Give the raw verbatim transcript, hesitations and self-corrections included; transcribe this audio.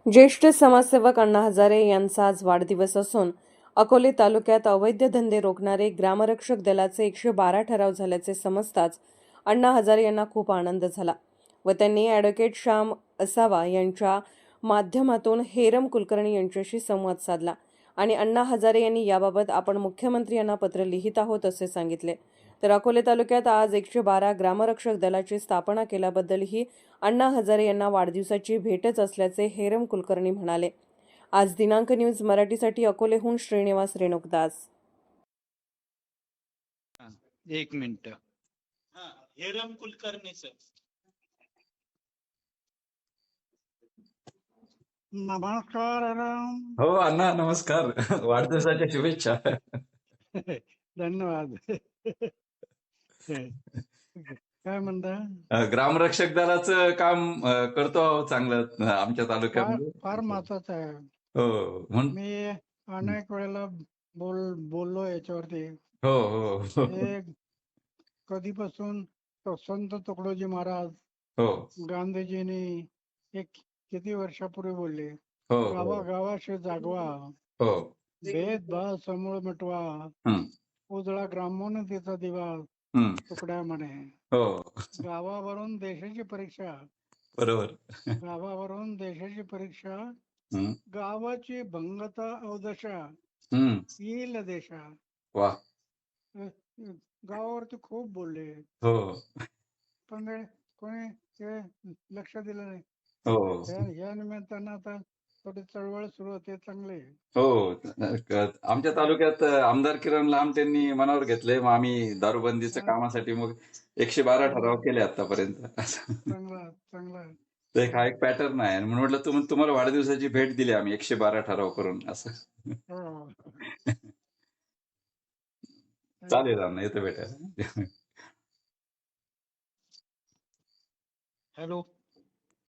ज्येष्ठ समाजसेवक अण्णा हजारे यांचा आज वाढदिवस असून अकोले तालुक्यात अवैध धंदे रोखणारे ग्रामरक्षक दलाचे एकशे बारा ठराव झाल्याचे समजताच अण्णा हजारे यांना खूप आनंद झाला व त्यांनी ॲडव्होकेट श्याम असावा यांच्या माध्यमातून हेरम कुलकर्णी यांच्याशी संवाद साधला आणि अण्णा हजारे यांनी याबाबत आपण मुख्यमंत्री यांना पत्र लिहित आहोत असे सांगितले. तर अकोले तालुक्यात आज एकशे बारा ग्रामरक्षक दलाची स्थापना केल्याबद्दलही अण्णा हजारे यांना वाढदिवसाची भेटच असल्याचे हेरम कुलकर्णी म्हणाले. आज दिनांक न्यूज मराठीसाठी अकोलेहून श्रीनिवास रेणुकदास. एक मिनिट. हा, हेरम कुलकर्णी सर. नमस्कार राम. हो अण्णा नमस्कार. वाढदिवसाच्या शुभेच्छा. धन्यवाद. काय म्हणता? ग्रामरक्षक दलाचं काम अ, करतो आहोत चांगलं आमच्या फार तालुक्यामध्ये. फार महत्वाचं आहे. हो म्हण मी अनेक वेळेला बोल बोललो याच्यावरती. हो हो हो हे कधीपासून तो संत तुकडोजी महाराज हो गांधीजींनी एक किती वर्षापूर्वी बोलले, हो गावा गावाशी जागवा, हो भेदभाव समूळ मिटवा, हं, उजळा ग्रामोन्नतीचा दिवा हं, तुकड्या म्हणे. हो गावावरून देशाची परीक्षा, बरोबर. गावावरून देशाची परीक्षा, हं, गावाची भंगता अवदशा, हं, येईल देशा. वा अ, गावावरती खूप बोलले, हो पण ते कोणी ते लक्ष दिलं नाही. हो या या निमित्तानं आता थोडी चळवळ सुरू होते, चांगले. हो क- आमच्या तालुक्यात आमदार किरण लांब त्यांनी मनावर घेतलंय. मग आम्ही दारूबंदीच्या कामासाठी मग एकशे बारा ठराव केले आतापर्यंत. चांगला चांगला. तर एक हा एक पॅटर्न आहे म्हणून म्हटलं तुम तुम्हाला वाढदिवसाची भेट दिली आम्ही एकशे बारा ठराव करून असं. हो. चालेल अण्णा येतो भेटायला. हॅलो.